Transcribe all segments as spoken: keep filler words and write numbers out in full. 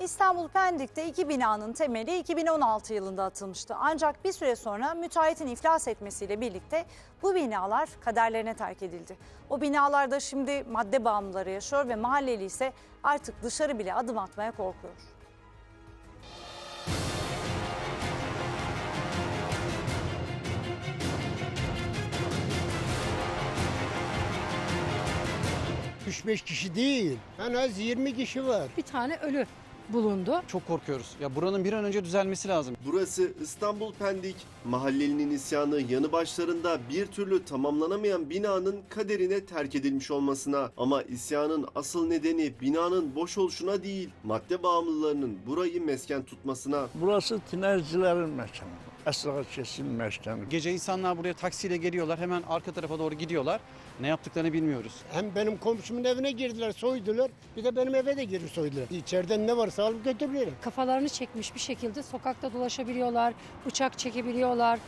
İstanbul Pendik'te iki binanın temeli iki bin on altı yılında atılmıştı. Ancak bir süre sonra müteahhitin iflas etmesiyle birlikte bu binalar kaderlerine terk edildi. O binalarda şimdi madde bağımlıları yaşıyor ve mahalleli ise artık dışarı bile adım atmaya korkuyor. üç beş kişi değil, en az yirmi kişi var. Bir tane ölü bulundu. Çok korkuyoruz. Ya buranın bir an önce düzelmesi lazım. Burası İstanbul Pendik. Mahallelinin isyanı yanı başlarında bir türlü tamamlanamayan binanın kaderine terk edilmiş olmasına. Ama isyanın asıl nedeni binanın boş oluşuna değil, madde bağımlılarının burayı mesken tutmasına. Burası tinercilerin mekanı. Esra kesim mekanı. Gece insanlar buraya taksiyle geliyorlar. Hemen arka tarafa doğru gidiyorlar. Ne yaptıklarını bilmiyoruz. Hem benim komşumun evine girdiler, soydular. Bir de benim eve de girip soydular. İçeriden ne varsa alıp götürüyorlar. Kafalarını çekmiş bir şekilde sokakta dolaşabiliyorlar, bıçak çekebiliyorlar.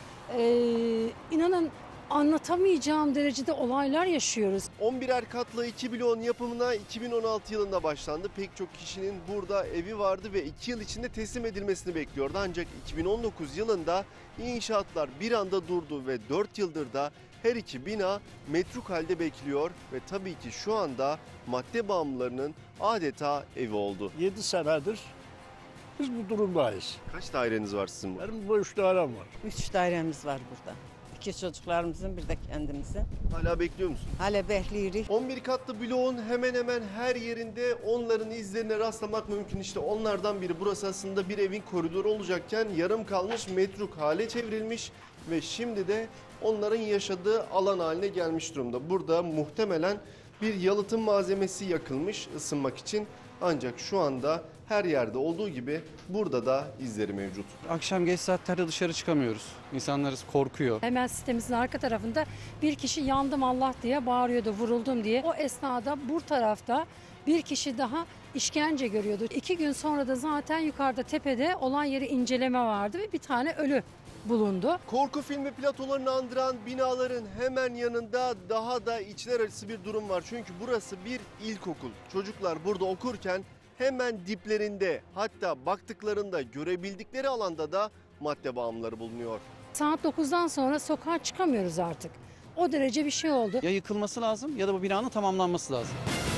Ee, inanın anlatamayacağım derecede olaylar yaşıyoruz. on birer katlı iki bloğun yapımına iki bin on altı yılında başlandı. Pek çok kişinin burada evi vardı ve iki yıl içinde teslim edilmesini bekliyordu. Ancak iki bin on dokuz yılında inşaatlar bir anda durdu ve dört yıldır da her iki bina metruk halde bekliyor ve tabii ki şu anda madde bağımlılarının adeta evi oldu. yedi senedir biz bu durumdayız. Kaç daireniz var sizin bu? Benim bu üç dairem var. Üç dairemiz var burada. İki çocuklarımızın bir de kendimizin. Hala bekliyor musun? Hala bekliyoruz. on bir katlı bloğun hemen hemen her yerinde onların izlerine rastlamak mümkün. İşte onlardan biri. Burası aslında bir evin koridoru olacakken yarım kalmış, metruk hale çevrilmiş ve şimdi de onların yaşadığı alan haline gelmiş durumda. Burada muhtemelen bir yalıtım malzemesi yakılmış ısınmak için. Ancak şu anda her yerde olduğu gibi burada da izleri mevcut. Akşam geç saatlerde dışarı çıkamıyoruz. İnsanlarız korkuyor. Hemen sitemizin arka tarafında bir kişi yandım Allah diye bağırıyordu, vuruldum diye. O esnada bu tarafta bir kişi daha işkence görüyordu. İki gün sonra da zaten yukarıda tepede olan yeri inceleme vardı ve bir tane ölü bulundu. Korku filmi platolarını andıran binaların hemen yanında daha da içler acısı bir durum var. Çünkü burası bir ilkokul. Çocuklar burada okurken hemen diplerinde, hatta baktıklarında görebildikleri alanda da madde bağımlıları bulunuyor. Saat dokuzdan sonra sokağa çıkamıyoruz artık. O derece bir şey oldu. Ya yıkılması lazım ya da bu binanın tamamlanması lazım.